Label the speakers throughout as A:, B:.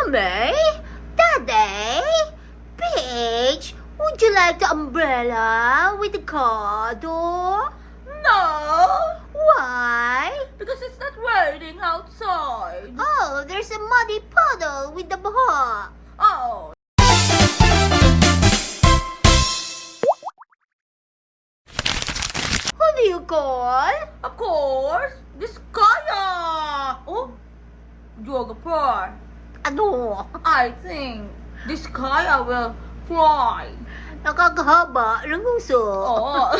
A: Mommy? Daddy? Paige? Would you like the umbrella with the car door?
B: No,
A: Why?
B: because it's not raining outside.
A: Oh, there's a muddy puddle with the baha.
B: Oh.
A: Who do you call?
B: Of course, this Kaya. Oh, geographer.
A: Ano?
B: I think this Kaya will fly.
A: Nakakahaba ng gusto.
B: Oo.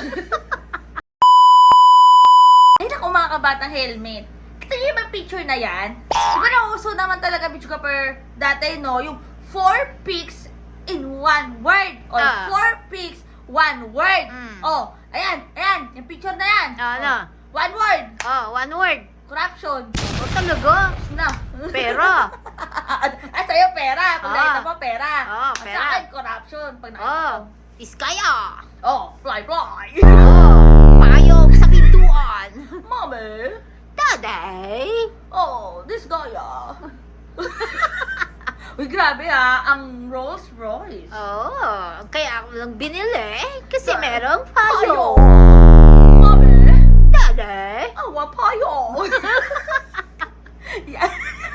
B: Ay, naku mga kabatang helmet. Kita niyo yung picture na yan? Diba nauso naman talaga geographer dati, no? Yung 4 pics in 1 word. Or 4 pics, 1 word. Oh, ayan. Yung picture na yan.
A: Ano?
B: Oh, 1 word.
A: Oh, one word.
B: Corruption.
A: O talaga?
B: Tapos na.
A: Pera.
B: Ay, sa'yo pera. Pag nakita mo, pera. Ang
A: pera.
B: sa akin, corruption. Pag nakita
A: Oh,
B: mo.
A: Iskaya.
B: Oh, fly.
A: Oh, payong sa pintuan.
B: Mommy.
A: Daddy?
B: Oh, this guy, Uy, grabe ang Rolls Royce.
A: Oh, kaya ako lang binili. Kasi
B: Dahil-
A: merong
B: Payo.
A: payong.
B: Mommy.
A: Daddy?
B: Awa payo. Yan.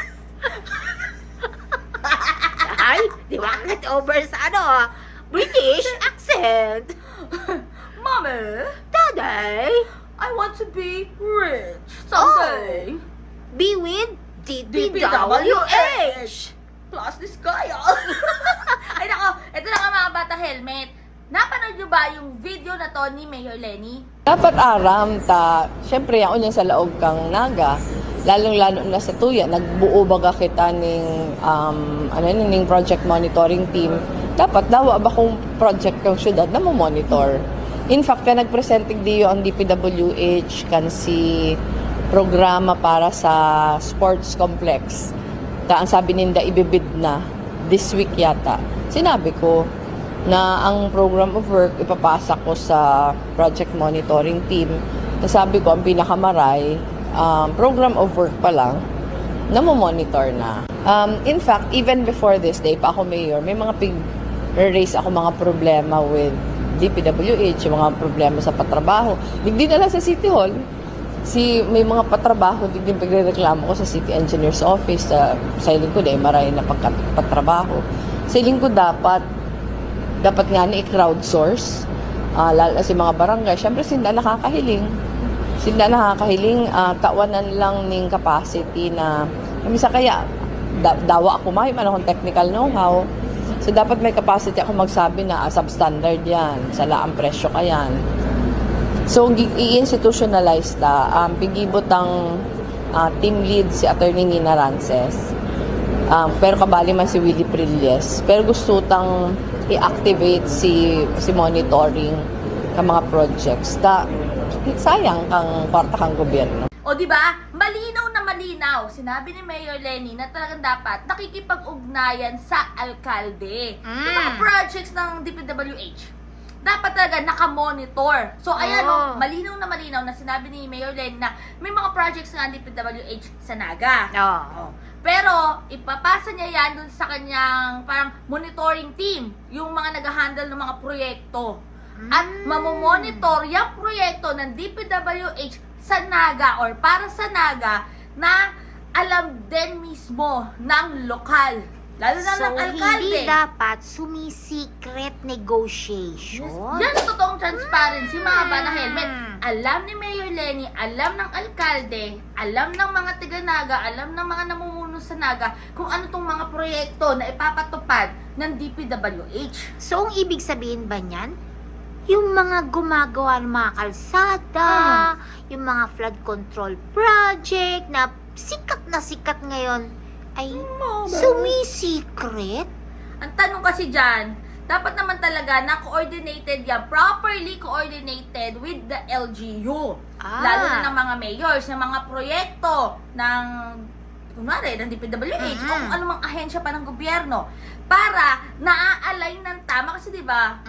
A: Ay, di ba get over sa British accent.
B: Mommy.
A: Daddy?
B: I want to be rich someday.
A: Be with DPWH.
B: DPWH. Plus this guy, Ay nako, ito na nga mga bata helmet. Napanood nyo ba yung video na to ni Mayor Lenny?
C: Dapat aram syempre yaon yan sa laog kang naga, lalong-lalo na sa tuya, nagbuo baga kita ning, ning project monitoring team. Dapat dawa ba kung project kang syudad na mo monitor. In fact, nagpresenting diyo ang DPWH kan si programa para sa sports complex. Ang sabi ninda ibibid na this week yata. Sinabi ko na ang program of work ipapasa ko sa project monitoring team. Sabi ko ang pinakamaray, program of work pa lang na mo-monitor na. In fact, even before this day pa ako mayor, may mga raise ako mga problema with DPWH, yung mga problema sa patrabaho. Hindi na lang sa City Hall. May mga patrabaho, din pagrereklamo ko sa City Engineer's Office, sa lingkod maray na patrabaho. Sa lingkod dapat nga ni i-crowdsource, lalo si mga barangay. Siyempre, sinda nakakahiling, kawanan lang ning capacity na, kamisa kaya, dawa ako man akong technical know-how. So, dapat may capacity ako magsabi na substandard yan, sa laang presyo ka yan. So, i-institutionalize pigibot ang team lead si Attorney Nina Rances. Pero kabali man si Willie Prilles. Pero gusto tang i-activate si monitoring ng mga projects. Sayang kang kwarta kang gobyerno.
B: O di ba? Malinaw na malinaw. Sinabi ni Mayor Lenny na talagang dapat nakikipag-ugnayan sa alkalde. Yung mga projects ng DPWH. Dapat talaga nakamonitor. So, ayan, malinaw na sinabi ni Mayor Lenny na may mga projects nga ng DPWH sa Naga. Pero, ipapasa niya yan dun sa kanyang parang monitoring team. Yung mga nag-handle ng mga proyekto. At mamomonitor yung proyekto ng DPWH sa Naga or para sa Naga na alam din mismo ng lokal. Lalo na ng alkalde.
A: Hindi dapat sumisikret negotiation.
B: Yan ang totoong transparency, mga bana helmet. Alam ni Mayor Lenny, alam ng alkalde, alam ng mga taga-Naga, alam ng mga namumuno sa Naga kung ano tong mga proyekto na ipapatupad ng DPWH.
A: So, ang ibig sabihin ba niyan? Yung mga gumagawa ng mga kalsada, yung mga flood control project na sikat ngayon, ay sumisikret?
B: Ang tanong kasi dyan, dapat naman talaga na coordinated yan, properly coordinated with the LGU. Lalo na ng mga mayors, ng mga proyekto ng kunwari, ng DPWH, o kung anumang ahensya pa ng gobyerno, para naa-align ng tama kasi, di ba?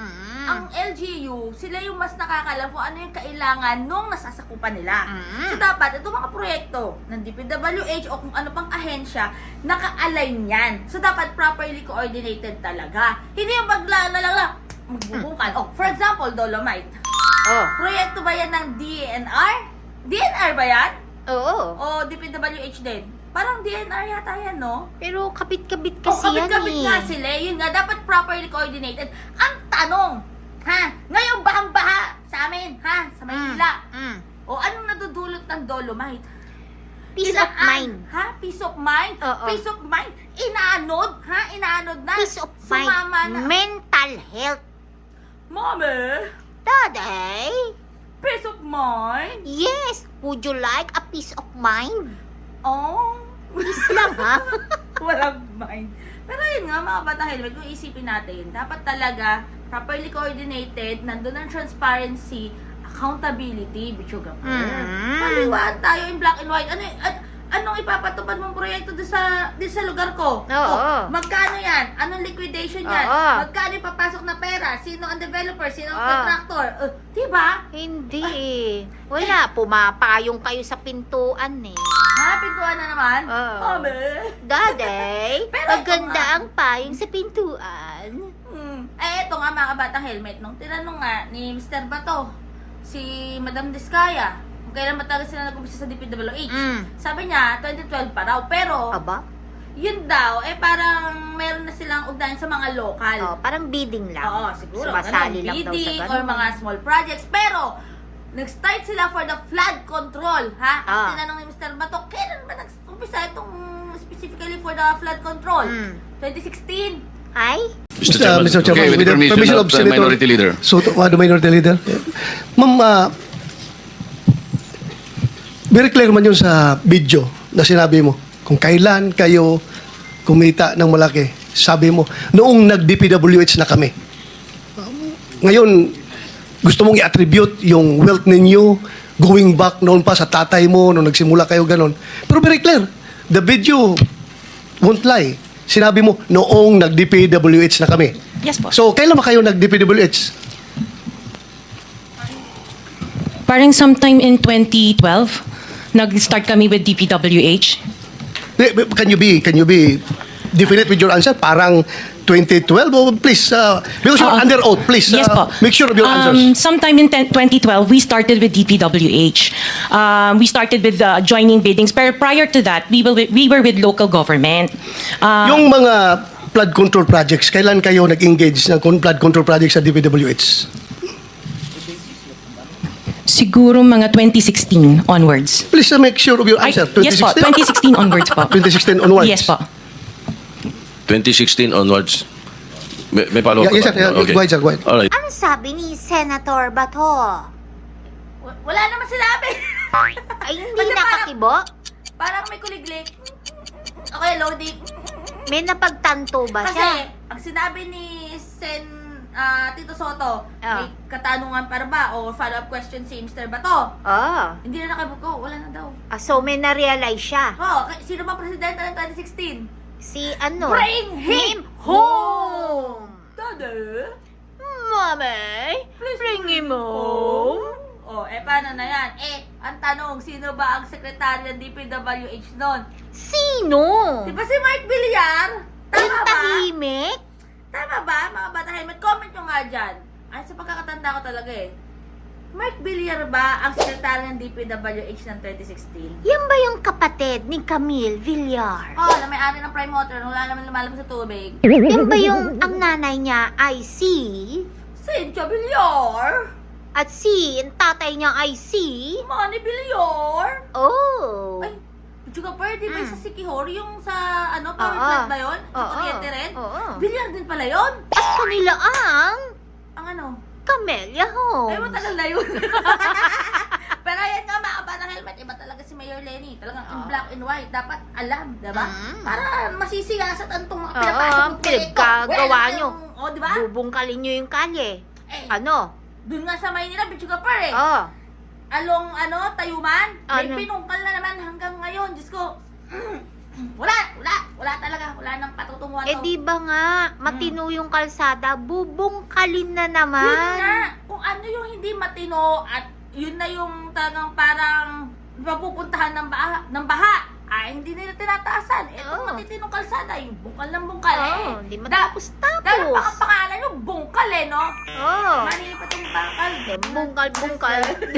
B: ang LGU, sila yung mas nakakalam kung ano yung kailangan nung nasasakupan nila.
A: Mm.
B: So dapat, itong mga proyekto ng DPWH o kung ano pang ahensya, naka-align yan. So dapat properly coordinated talaga. Hindi yung magbubungkal. Oh, for example, Dolomite.
A: Oh.
B: Proyekto ba yan ng DNR? DNR ba yan?
A: Oo.
B: O DPWH din? Parang DNR yata yan, no?
A: Pero kapit-kapit
B: O,
A: kasi yan
B: kabit-kabit
A: eh.
B: nga sila. Yun nga, dapat properly coordinated. Ang tanong, ngayon bahang-baha sa amin, sa Maynila. O, anong nadudulot ng Dolomite?
A: Peace of mind.
B: Peace of mind?
A: Oo.
B: Peace of mind? Inaanod? Inaanod na?
A: Peace of mind.
B: Sumama na.
A: Mental health.
B: Mami,
A: Daday?
B: peace of mind?
A: Yes. Would you like a peace of mind?
B: Oh,
A: Peace lang ha?
B: walang mind. Pero yun nga, mga batang helmet, kung isipin natin, dapat talaga properly coordinated, nandun ang transparency, accountability, bichuga po. Paliwan tayo in black and white. Anong ipapatupad mong proyekto doon sa lugar ko?
A: Oo.
B: Magkano yan? Anong liquidation yan?
A: Oo.
B: Magkano ipapasok na pera? Sino ang developer? Sino ang
A: Oo.
B: contractor? Diba?
A: Hindi. Wala. Pumapayong kayo sa pintuan eh.
B: Pintuan na naman?
A: Oo.
B: Mami.
A: Daday,
B: Pero
A: maganda
B: ito nga.
A: ang payong sa pintuan.
B: Ito nga mga batang helmet, nung tinanong nga ni Mr. Bato, si Madam Diskaya, kung kailan ba talaga sila nag-umpisa sa DPWH. Sabi niya, 2012 pa raw. Pero,
A: Aba?
B: yun daw, parang meron na silang ugnayan sa mga local.
A: Oh, parang bidding lang.
B: Oo, siguro.
A: Sumasali lang daw sa
B: Bidding
A: ganun.
B: or mga small projects. Pero, nag-start sila for the flood control, Kasi tinanong ni Mr. Bato, kailan ba nag-umpisa itong specifically for the flood control? 2016.
A: Ay?
D: Mr.
E: Mr. Chairman,
D: okay, with the permission of the
E: Senator
D: Minority Leader.
E: Soto, the Minority Leader. Ma'am, very clear man yun sa video na sinabi mo. Kung kailan kayo kumita ng malaki, sabi mo, noong nag-DPWH na kami. Ngayon, gusto mong i-attribute yung wealth ninyo going back noon pa sa tatay mo, nung nagsimula kayo ganon. Pero very clear, the video won't lie. Sinabi mo, noong nag-DPWH na kami.
F: Yes po.
E: So, kailan ba kayo nag-DPWH?
F: Parang sometime in 2012, nag-start kami with DPWH.
E: Can you be definite with your answer? Parang 2012? Oh, please, because you're under oath, please,
F: Yes po.
E: make sure of your answers.
F: Sometime in 2012, we started with DPWH. We started with joining biddings. Pero prior to that, we were with local government.
E: Yung mga flood control projects, kailan kayo nag-engage ng flood control projects sa DPWH?
F: Siguro mga 2016 onwards.
E: Please make sure of your answer.
F: Yes po, 2016 onwards po.
E: 2016 onwards?
F: Yes po.
D: 2016 onwards. May follow-up
E: Yes,
D: ka
E: sir.
D: ba? Okay.
E: Go ahead, sir. Go ahead.
D: Alright.
A: Ano sabi ni Senator Bato?
B: Wala naman sinabi.
A: Ay, hindi
B: Kasi
A: nakakibo?
B: Parang may kuliglig. Okay, loading.
A: May napagtanto ba
B: Kasi,
A: siya?
B: ang sinabi ni Tito Soto,
A: Ah.
B: may katanungan para ba o follow-up question si Mr. Bato.
A: Oh.
B: Hindi na nakabuko, wala na daw.
A: So may na-realize siya.
B: Sino ba presidente ng 2016?
A: Si ano?
B: Bring him home! Daddy,
A: Mommy, bring him home.
B: paano na yan? Ang tanong, sino ba ang sekretary ng DPWH nun?
A: Sino?
B: Di ba si Mark Villar? Tama
A: Yung
B: ba?
A: tahimik?
B: Tama ba, mga bata helmet? Comment nyo nga dyan. Ay, sa pagkakatanda ko talaga Mark Villar ba ang sekretary ng DPWH ng 2016?
A: Yan ba yung kapatid ni Camille Villar?
B: Na may-ari ng Prime Motor, wala naman lumalabas sa tubig.
A: Yan ba yung ang nanay niya ay si...
B: Cynthia Villar?
A: At si ang tatay niya ay si...
B: Manny Villar?
A: Oh.
B: Ay, Juga per, di ba sa Sikihor, yung sa, power
A: Oo.
B: plant ba yun? Sa
A: Oo.
B: Kuryente rin?
A: Oo.
B: Villar din pala yun?
A: At kanila ang
B: Ang ano?
A: Camellia
B: Ay,
A: Homes.
B: matagal na yun. Pero ayan nga, mga bata helmet, iba talaga si Mayor Lenny. Talagang in black and white. Dapat alam, diba? Para masisiyasat ang itong mga pinapasok ng proyekto.
A: pinagkagawa nyo.
B: Diba?
A: Bubungkalin nyo yung kalye.
B: Ano?
A: Ano?
B: Dun nga sa Maynila, Bichuga per
A: Oh.
B: Along, Tayuman, may pinungkal na naman hanggang ngayon. Diyos ko, wala talaga. Wala nang patutunguhan.
A: Eh di ba nga, matino yung kalsada, bubungkalin na naman.
B: Yun nga, kung ano yung hindi matino at yun na yung talagang parang mapupuntahan ng baha. Ay, hindi nila tinataasan. Etong
A: Oo.
B: matitinong kalsada, yung bungkal ng bungkal
A: Oo,
B: eh.
A: hindi matapos-tapos.
B: Dahil pa ang pangalan yung bungkal eh, no?
A: Oh.
B: Mali pa itong bungkal.
A: Bungkal-bungkal.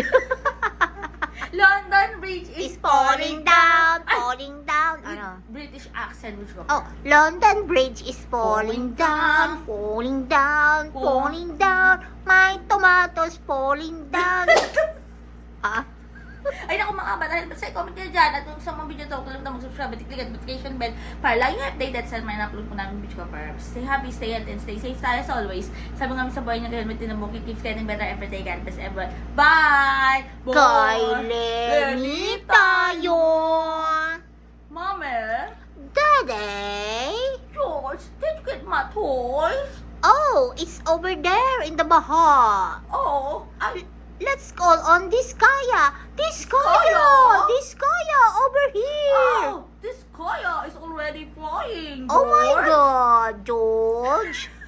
B: London Bridge
A: Is
B: is
A: falling down, falling down.
B: With
A: Ano?
B: British accent, which go.
A: Oh, London Bridge is falling down, falling down, falling down. My tomatoes falling down. Ah?
B: Ay naku mga kabata, basta i-comment nyo dyan at kung sa mga video to, kung mag-subscribe at i-click at notification bell para lagi yung updated sa mga na-upload po namin video ko para stay happy, stay healthy, and stay safe tayo as always. Sabi nga sa buhay nyo, helmet din ang bukit, keep getting better every day, God bless everyone. Bye!
A: Kay Lenny tayo.
B: Mommy,
A: Daddy?
B: George, did you get my toys?
A: Oh, it's over there in the baha.
B: Oh,
A: Let's call on Diskaya. Diskaya! Diskaya, over here.
B: this Kaya is already flying,
A: Oh my
B: George.
A: God, George.